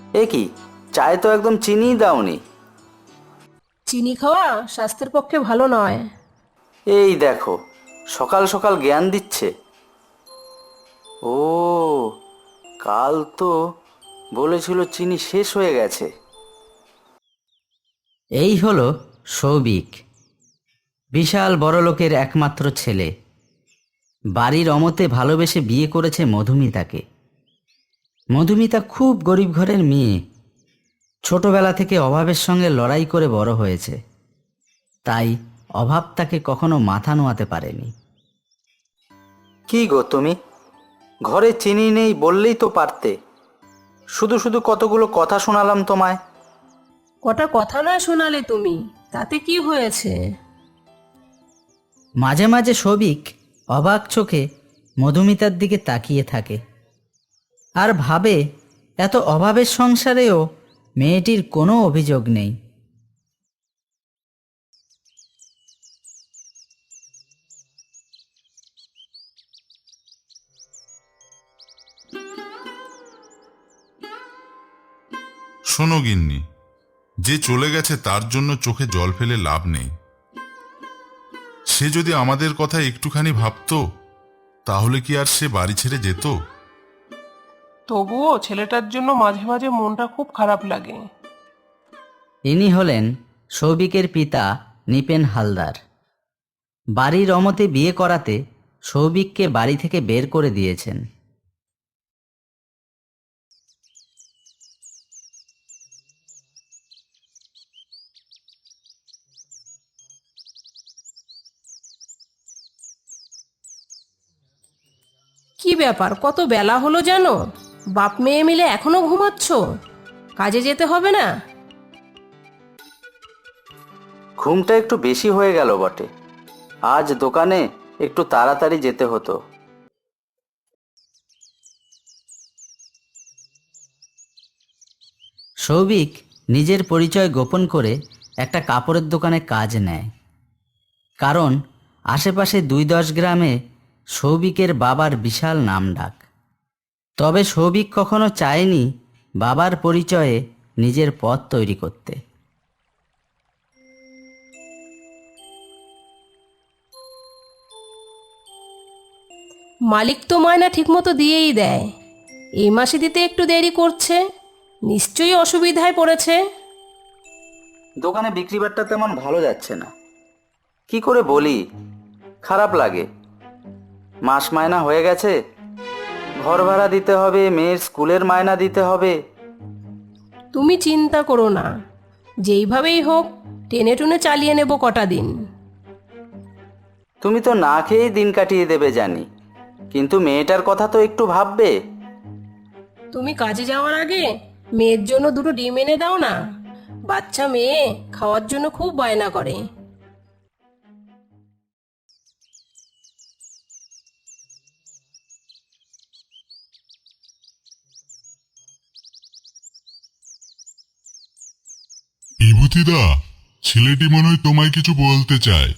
এ কি, চায়ে তো একদম চিনিই দাওনি। চিনি খাওয়া স্বাস্থ্যের পক্ষে ভালো নয়। এই দেখো, সকাল সকাল জ্ঞান দিচ্ছে। ও, কাল তো বলেছিল চিনি শেষ হয়ে গেছে। এই হলো সৌভিক, বিশাল বড়লোকের একমাত্র ছেলে। বাড়ির অমতে ভালোবেসে বিয়ে করেছে মধুমিতাকে। মধুমিতা খুব গরিব ঘরের মেয়ে, ছোটবেলা থেকে অভাবের সঙ্গে লড়াই করে বড় হয়েছে, তাই অভাব তাকে কখনো মাথা নোয়াতে পারেনি। কি গো তুমি, ঘরে চিনি নেই বললেই তো পারতে। শুধু শুধু কতগুলো কথা শোনালাম তোমায়। কটা কথা নয় শোনালে তুমি, তাতে কি হয়েছে? মাঝে মাঝে সৌভিক অবাক চোখে মধুমিতার দিকে তাকিয়ে থাকে আর ভাবে, এত অভাবের সংসারেও মেয়েটির কোনো অভিযোগ নেই। শোনো গিন্নি, যে চলে গেছে তার জন্য চোখে জল ফেলে লাভ নেই। সে যদি আমাদের কথা একটুখানি ভাবতো, তাহলে কি আর সে বাড়ি ছেড়ে যেত? তবুও ছেলেটার জন্য মাঝে মাঝে মনটা খুব খারাপ লাগে। ইনি হলেন সৌভিকের পিতা নিপেন হালদার। বাড়ির অমতে বিয়ে করাতে সৌভিককে বাড়ি থেকে বের করে দিয়েছেন। কি ব্যাপার, কত বেলা হলো জানো? বাপ মেয়ে মিলে এখনো ঘুমাচ্ছ? কাজে যেতে হবে না? ঘুমটা একটু বেশি হয়ে গেল বটে। আজ দোকানে একটু তাড়াতাড়ি যেতে হতো। সৌভিক নিজের পরিচয় গোপন করে একটা কাপড়ের দোকানে কাজ নেয়, কারণ আশেপাশে ২-১০ গ্রামে সৌভিকের বাবার বিশাল নামডাক। তবে সৌভিক কখনো চায়নি বাবার পরিচয়ে নিজের পথ তৈরি করতে। মালিক তো ময়না ঠিকমতো দিয়েই দেয়, এই মাসে দিতে একটু দেরি করছে, নিশ্চয়ই অসুবিধায় পড়েছে। দোকানে বিক্রি বাট্টা তেমন ভালো যাচ্ছে না। কি করে বলি, খারাপ লাগে। মাস মায়না হয়ে গেছে, ঘর ভাড়া দিতে হবে, মেয়ের স্কুলের মায়না দিতে হবে। তুমি চিন্তা করো না, যেইভাবেই হোক টেনে টুনে চালিয়ে নেব কটা দিন। তুমি তো না খেয়েই দিন কাটিয়ে দেবে জানি, কিন্তু মেয়েটার কথা তো একটু ভাববে। তুমি কাজে যাওয়ার আগে মেয়ের জন্য দুটো ডিম এনে দাও না, বাচ্চা মেয়ে খাওয়ার জন্য খুব বায়না করে। বিভূতিদা, ছেলেটি মনে হয় তোমায় কিছু বলতে চায়।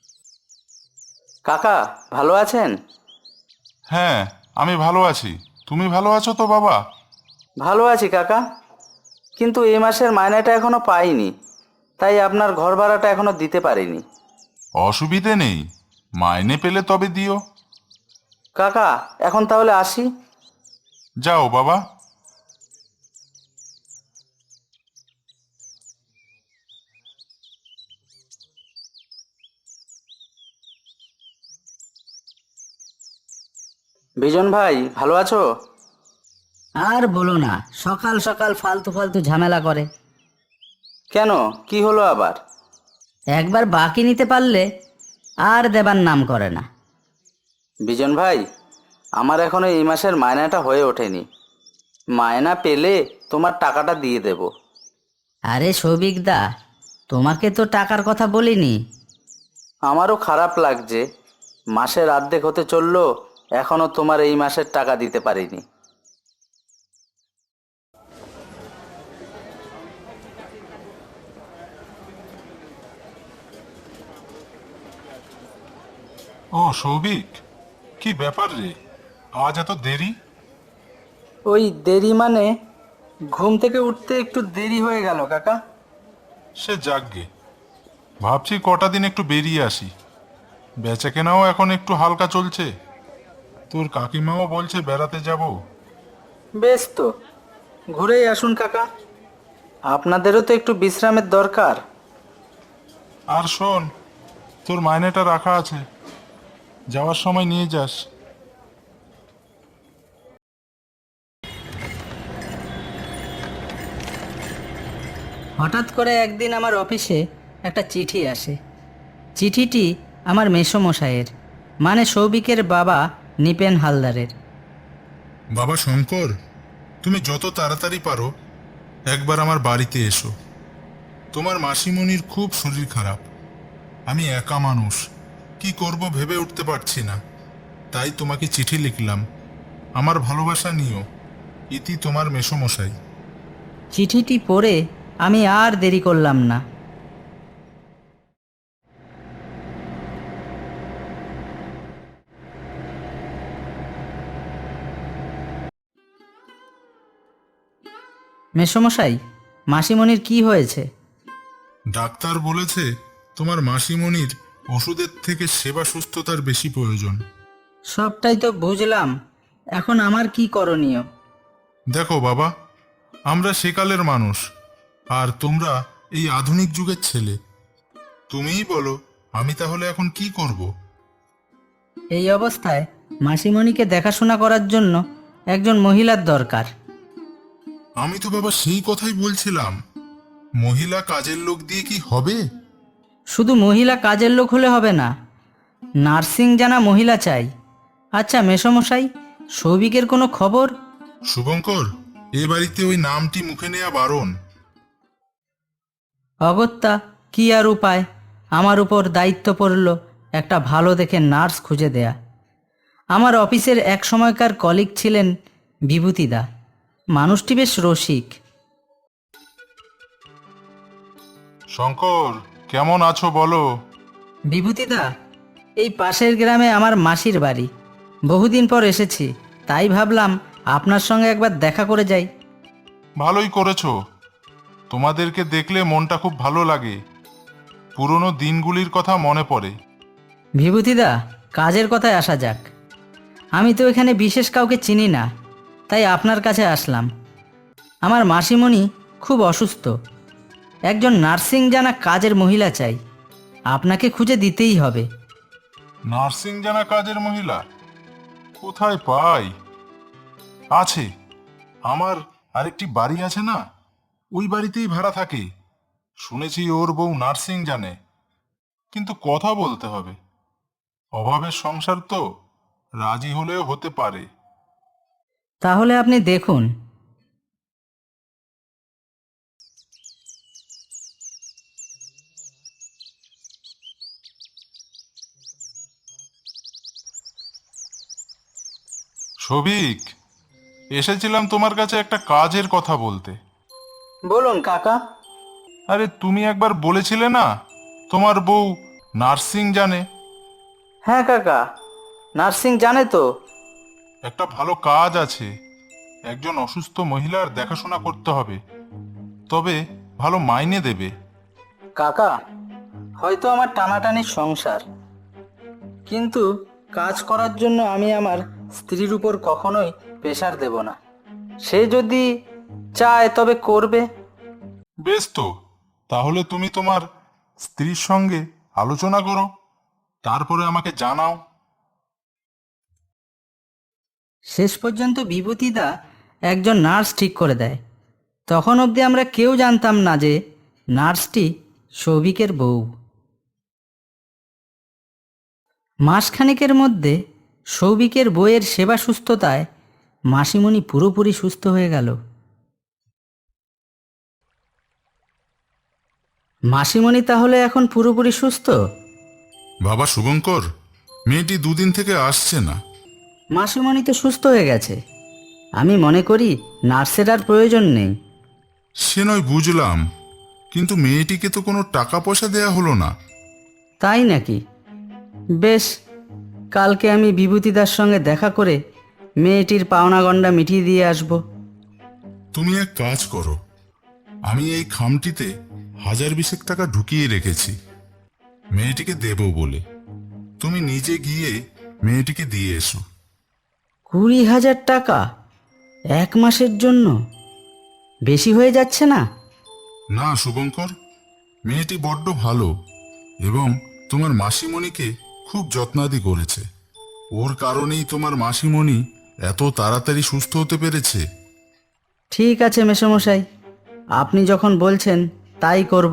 কাকা ভালো আছেন? হ্যাঁ, আমি ভালো আছি। তুমি ভালো আছো তো বাবা? ভালো আছি কাকা, কিন্তু এ মাসের মায়নাটা এখনো পাইনি, তাই আপনার ঘর ভাড়াটা এখনো দিতে পারিনি। অসুবিধে নেই, মাইনে পেলে তবে দিও। কাকা এখন তাহলে আসি। যাও বাবা। বিজন ভাই ভালো আছো? আর বলো না, সকাল সকাল ফালতু ফালতু ঝামেলা করে। কেন, কি হলো আবার? একবার বাকি নিতে পারলে আর দেবার নাম করে না। বিজন ভাই, আমার এখনো এই মাসের মায়নাটা হয়ে ওঠেনি। মায়না পেলে তোমার টাকাটা দিয়ে দেব। আরে সৌভিক দা, তোমাকে তো টাকার কথা বলিনি। আমারও খারাপ লাগছে, মাসের অর্ধেক হতে চললো, এখনো তোমার এই মাসের টাকা দিতে পারিনি। ও সৌভিক, কি ব্যাপার রে, আজ এত দেরি? ওই দেরি মানে, ঘুম থেকে উঠতে একটু দেরি হয়ে গেল কাকা। সে যাকগে, ভাবছি কটা দিন একটু বেরিয়ে আসি। বেচা কেনাও এখন একটু হালকা চলছে। তোর কাকিমাও বলছে বেড়াতে যাব। বেশ তো, ঘুরেই আসুন কাকা, আপনাদেরও তো একটু বিশ্রামের দরকার। আর শোন, তোর মাইনেটা রাখা আছে, যাওয়ার সময় নিয়ে যাস। হঠাৎ করে একদিন আমার অফিসে একটা চিঠি আসে। চিঠিটি আমার মেসোমশাইয়ের, মানে সৌভিকের বাবা নিপেন হালদারের। বাবা শঙ্কর, তুমি যত তাড়াতাড়ি পারো একবার আমার বাড়িতে এসো। তোমার মাসিমণির খুব শরীর খারাপ। আমি একা মানুষ, কি করব ভেবে উঠতে পারছি না, তাই তোমাকে চিঠি লিখলাম। আমার ভালোবাসা নিও। ইতি তোমার মেসোমশাই। চিঠিটি পড়ে আমি আর দেরি করলাম না। মেসোমশাই, মাসিমণির কি হয়েছে? ডাক্তার বলেছে তোমার মাসিমণির ওষুধের থেকে সেবা সুস্থতার বেশি প্রয়োজন। সবটাই তো বুঝলাম, এখন আমার কি করণীয়? দেখো বাবা, আমরা সেকালের মানুষ, আর তোমরা এই আধুনিক যুগের ছেলে। তুমিই বলো, আমি তাহলে এখন কি করব? এই অবস্থায় মাসিমণিকে দেখাশোনা করার জন্য একজন মহিলার দরকার। আমি তো বাবা সেই কথাই বলছিলাম, মহিলা কাজের লোক দিয়ে কি হবে? শুধু মহিলা কাজের লোক হলে হবে না, নার্সিং জানা মহিলা চাই। আচ্ছা মেসোমশাই, সৌভিকের কোনো খবর? শুভঙ্কর, এ বাড়িতে ওই নামটি মুখে নেওয়া বারণ। অগত্যা কি আর উপায়, আমার উপর দায়িত্ব পড়ল একটা ভালো দেখে নার্স খুঁজে দেয়া। আমার অফিসের এক সময়কার কলিগ ছিলেন বিভূতিদা, মানুষটি বেশ রসিক। শঙ্কর, কেমন আছো বলো? বিভূতিদা, এই পাশের গ্রামে আমার মাসির বাড়ি, বহুদিন পর এসেছি, তাই ভাবলাম আপনার সঙ্গে একবার দেখা করে যাই। ভালোই করেছো। তোমাদেরকে দেখলে মনটা খুব ভালো লাগে, পুরনো দিনগুলির কথা মনে পড়ে। বিভূতিদা, কাজের কথায় আসা যাক। আমি তো এখানে বিশেষ কাউকে চিনি না, তাই আপনার কাছে আসলাম। আমার মাসিমণি খুব অসুস্থ, একজন নার্সিং জানা কাজের মহিলা চাই, আপনাকে খুঁজে দিতেই হবে। নার্সিং জানা কাজের মহিলা কোথায় পাই? আছে, আমার আরেকটি বাড়ি আছে না, ওই বাড়িতেই ভাড়া থাকে। শুনেছি ওর বউ নার্সিং জানে, কিন্তু কথা বলতে হবে। অভাবের সংসার তো, রাজি হলেও হতে পারে। তাহলে আপনি দেখুন। সবিক, এসেছিলাম তোমার কাছে একটা কাজের কথা বলতে। বলুন কাকা। আরে তুমি একবার বলেছিলে না তোমার বউ নার্সিং জানে? হ্যাঁ কাকা, নার্সিং জানে তো। একটা ভালো কাজ আছে, একজন অসুস্থ মহিলার দেখাশোনা করতে হবে, তবে ভালো মাইনে দেবে। কাকা, হয়তো আমার টানাটানি সংসার, কিন্তু কাজ করার জন্য আমি আমার স্ত্রীর উপর কখনোই প্রেশার দেব না। সে যদি চায় তবে করবে। বেশ তো, তাহলে তুমি তোমার স্ত্রীর সঙ্গে আলোচনা করো, তারপরে আমাকে জানাও। শেষ পর্যন্ত বিভূতিদা একজন নার্স ঠিক করে দেয়। তখন অবধি আমরা কেউ জানতাম না যে নার্সটি সৌভিকের বউ। মাসখানেকের মধ্যে সৌভিকের বউয়ের সেবা সুস্থতায় মাসিমণি পুরোপুরি সুস্থ হয়ে গেল। মাসিমণি তাহলে এখন পুরোপুরি সুস্থ? বাবা শুভঙ্কর, মেয়েটি দুদিন থেকে আসছে না। মাসিমণি তো সুস্থ হয়ে গেছে, আমি মনে করি নার্সের আর প্রয়োজন নেই। সে নয় বুঝলাম, কিন্তু মেয়েটিকে তো কোনো টাকা পয়সা দেয়া হলো না। তাই নাকি? বেশ, কালকে আমি বিভূতিদার সঙ্গে দেখা করে মেয়েটির পাওনা গণ্ডা মিটিয়ে দিয়ে আসব। তুমি এক কাজ করো, আমি এই খামটিতে 1020 টাকা ঢুকিয়ে রেখেছি মেয়েটিকে দেব বলে। তুমি নিজে গিয়ে মেয়েটিকে দিয়ে এসো। 20,000 টাকা 1 মাসের জন্য? বেশি হয়ে যাচ্ছে না? না শুভঙ্কর, মেয়েটি বড্ড ভালো এবং তোমার মাসিমণিকে খুব যত্নাদি করেছে। ওর কারণেই তোমার মাসিমণি এত তাড়াতাড়ি সুস্থ হতে পেরেছে। ঠিক আছে মেসোমশাই, আপনি যখন বলছেন তাই করব।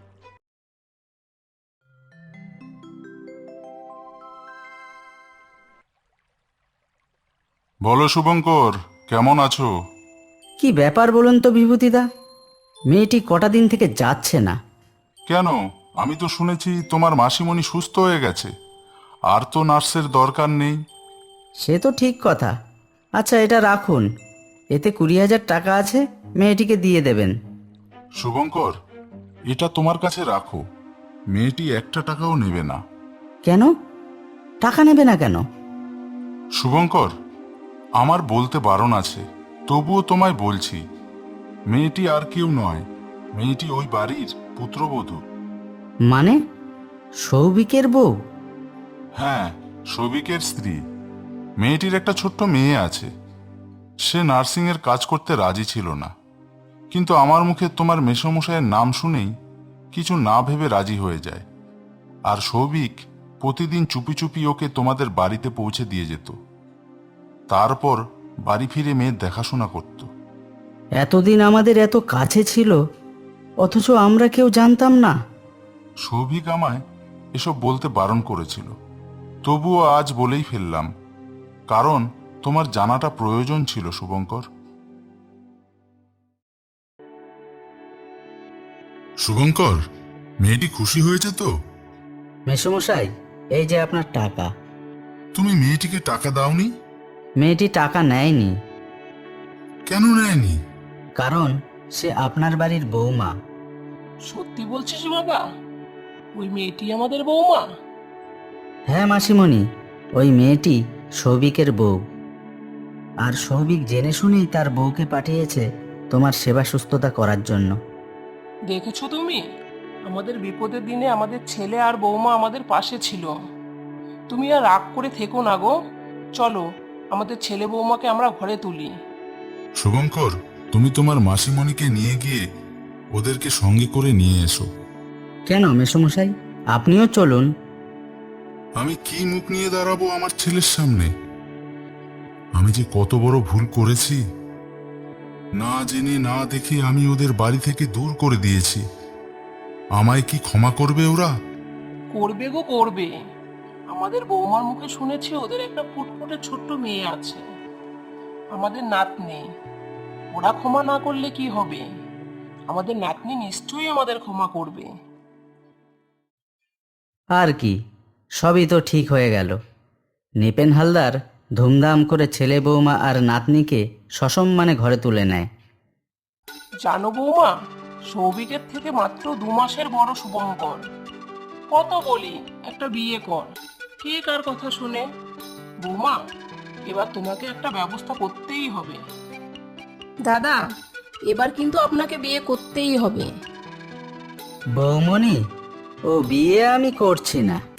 বলো শুভঙ্কর, কেমন আছো? কি ব্যাপার বলুন তো বিভূতিদা, মেয়েটি কটা দিন থেকে যাচ্ছে না। কেন, আমি তো শুনেছি তোমার মাসিমণি সুস্থ হয়ে গেছে, আর তো নার্সের দরকার নেই। সে তো ঠিক কথা। আচ্ছা এটা রাখুন, এতে 20,000 টাকা আছে, মেয়েটিকে দিয়ে দেবেন। শুভঙ্কর, এটা তোমার কাছে রাখো, মেয়েটি 1 টাকাও নেবে না। কেন? টাকা নেবে না কেন? শুভঙ্কর, আমার বলতে বারণ আছে, তবুও তোমায় বলছি, মেয়েটি আর কেউ নয়, মেয়েটি ওই বাড়ির পুত্রবধূ। মানে সৌভিকের বউ? হ্যাঁ, সৌভিকের স্ত্রী। মেয়েটির একটা ছোট্ট মেয়ে আছে। সে নার্সিংয়ের কাজ করতে রাজি ছিল না, কিন্তু আমার মুখে তোমার মেসোমশাইয়ের নাম শুনেই কিছু না ভেবে রাজি হয়ে যায়। আর সৌভিক প্রতিদিন চুপি চুপি ওকে তোমাদের বাড়িতে পৌঁছে দিয়ে যেত, তারপর বাড়ি ফিরে মেয়ের দেখাশোনা করত। এতদিন আমাদের এত কাছে ছিল, অথচ আমরা কেউ জানতাম না। সৌভিক আমায় এসব বলতে বারণ করেছিল, তবুও আজ বলেই ফেললাম, কারণ তোমার জানাটা প্রয়োজন ছিল শুভঙ্কর। শুভঙ্কর, মেয়েটি খুশি হয়েছে তো? মেসোমশাই, এই যে আপনার টাকা। তুমি মেয়েটিকে টাকা দাওনি? মেয়েটি টাকা নেয়নি। কেন নেয়নি? কারণ সে আপনার বাড়ির বৌমা। সত্যি বলছিস বাবা? ওই মেয়েটি আমাদের বৌমা? হ্যাঁ মাসিমণি, ওই মেয়েটি সৌভিকের বউ। আর সৌভিক জেনে শুনেই তার বউকে পাঠিয়েছে তোমার সেবা সুস্থতা করার জন্য। দেখেছো তুমি, আমাদের বিপদের দিনে আমাদের ছেলে আর বৌমা আমাদের পাশে ছিল। তুমি আর রাগ করে থেকো না গো, চলো আমাদের ছেলে বৌমাকে আমরা ঘরে তুলি। শুভঙ্কর, তুমি তোমার মাসিমণিকে নিয়ে গিয়ে ওদেরকে সঙ্গে করে নিয়ে এসো। কেন মেসোমশাই, আপনিও চলুন। আমি কি মুখ নিয়ে দাঁড়াবো আমার ছেলের সামনে? আমি যে কত বড় ভুল করেছি, না জেনে না দেখে আমি ওদের বাড়ি থেকে দূর করে দিয়েছি। আমায় কি ক্ষমা করবে ওরা? করবে গো করবে। আমাদের বৌমার মুখে শুনেছি ওদের একটা ফুটফুটে ছোট্ট মেয়ে আছে, আমাদের নাতনি। ওরা ক্ষমা না করলে কি হবে? আমাদের নাতনি নিশ্চয়ই আমাদের ক্ষমা করবে। আর কি, সবই তো ঠিক হয়ে গেল। নিপেন হালদার ধুমধাম করে ছেলে বৌমা আর নাতনিকে সসম্মানে ঘরে তুলে নেয়। জানো বৌমা, সৌভিকের থেকে মাত্র 2 মাসের বড় শুভঙ্কর। কত বলি একটা বিয়ে কর, কে কার কথা শুনে? বৌমা, এবার তোমাকে একটা ব্যবস্থা করতেই হবে। দাদা, এবার কিন্তু আপনাকে বিয়ে করতেই হবে। বৌমণি, ও বিয়ে আমি করছি না।